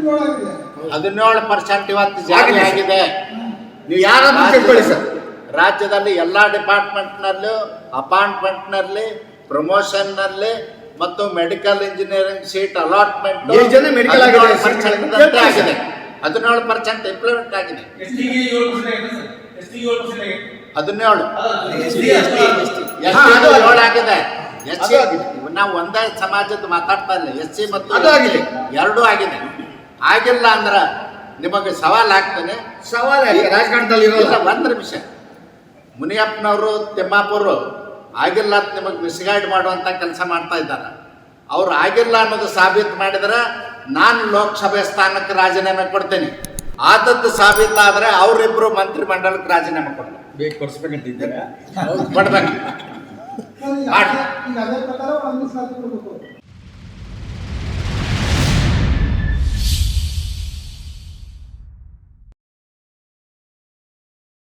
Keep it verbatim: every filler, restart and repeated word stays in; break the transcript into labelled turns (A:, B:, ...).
A: ಹದಿನೇಳು ಪರ್ಸೆಂಟ್ ಇವತ್ತು ಜಾರಿ ಆಗಿದೆ.
B: ನೀವು ಯಾರಾದ್ರೂ ತಿಳ್ಕೊಳ್ಳಿ ಸರ್,
A: ರಾಜ್ಯದಲ್ಲಿ ಎಲ್ಲಾ ಡಿಪಾರ್ಟ್ಮೆಂಟ್ ನಲ್ಲೂ ಅಪಾಯಿಂಟ್ಮೆಂಟ್ ನಲ್ಲಿ, ಪ್ರಮೋಷನ್ ನಲ್ಲಿ ಮತ್ತು ಮೆಡಿಕಲ್ ಇಂಜಿನಿಯರಿಂಗ್ ಸೀಟ್ ಅಲಾಟ್ಮೆಂಟ್
B: ಎಷ್ಟು ಜನ medical ಆಗಿದೆ?
A: ಆಗಿದೆ. ಹದಿನೇಳು ಪರ್ಸೆಂಟ್ ಇಂಪ್ಲಿಮೆಂಟ್ ಆಗಿದೆ. ಹದಿನೇಳು ಏಳು ಆಗಿದೆ. ಎಸ್ ಸಿ ನಾವು ಒಂದೇ ಸಮಾಜದ ಮಾತಾಡ್ತಾ ಇಲ್ಲ, ಎಸ್ ಸಿ ಮತ್ತು ಎರಡೂ ಆಗಿದೆ. ಆಗಿಲ್ಲ ಅಂದ್ರ ನಿಮಗೆ ಸವಾಲ್ ಆಗ್ತಾನೆ.
B: ಸವಾಲ್ ರಾಜಕಾರಣದಲ್ಲಿ
A: ಒಂದ್ ನಿಮಿಷ, ಮುನಿಯಪ್ಪನವರು ತಿಮ್ಮಾಪುರು ಆಗಿಲ್ಲ ಅಂತ ನಿಮಗೆ ಮಿಸ್ಗೈಡ್ ಮಾಡುವಂತ ಕೆಲಸ ಮಾಡ್ತಾ ಇದ್ದಾರೆ. ಅವ್ರು ಆಗಿಲ್ಲ ಅನ್ನೋದು ಸಾಬೀತು ಮಾಡಿದ್ರೆ ನಾನು ಲೋಕಸಭೆ ಸ್ಥಾನಕ್ಕೆ ರಾಜೀನಾಮೆ ಕೊಡ್ತೇನೆ. ಆದದ್ದು ಸಾಬೀತಾದ್ರೆ ಅವರಿಬ್ರು ಮಂತ್ರಿ ಮಂಡಲಕ್ಕೆ ರಾಜೀನಾಮೆ ಕೊಡ್ತಾರೆ.
B: ಬೇಕು ಕೊಡ್ಸ್ಬೇಕಂತಿದ್ದೀರಾ?
A: ಕೊಡ್ಬೇಕು.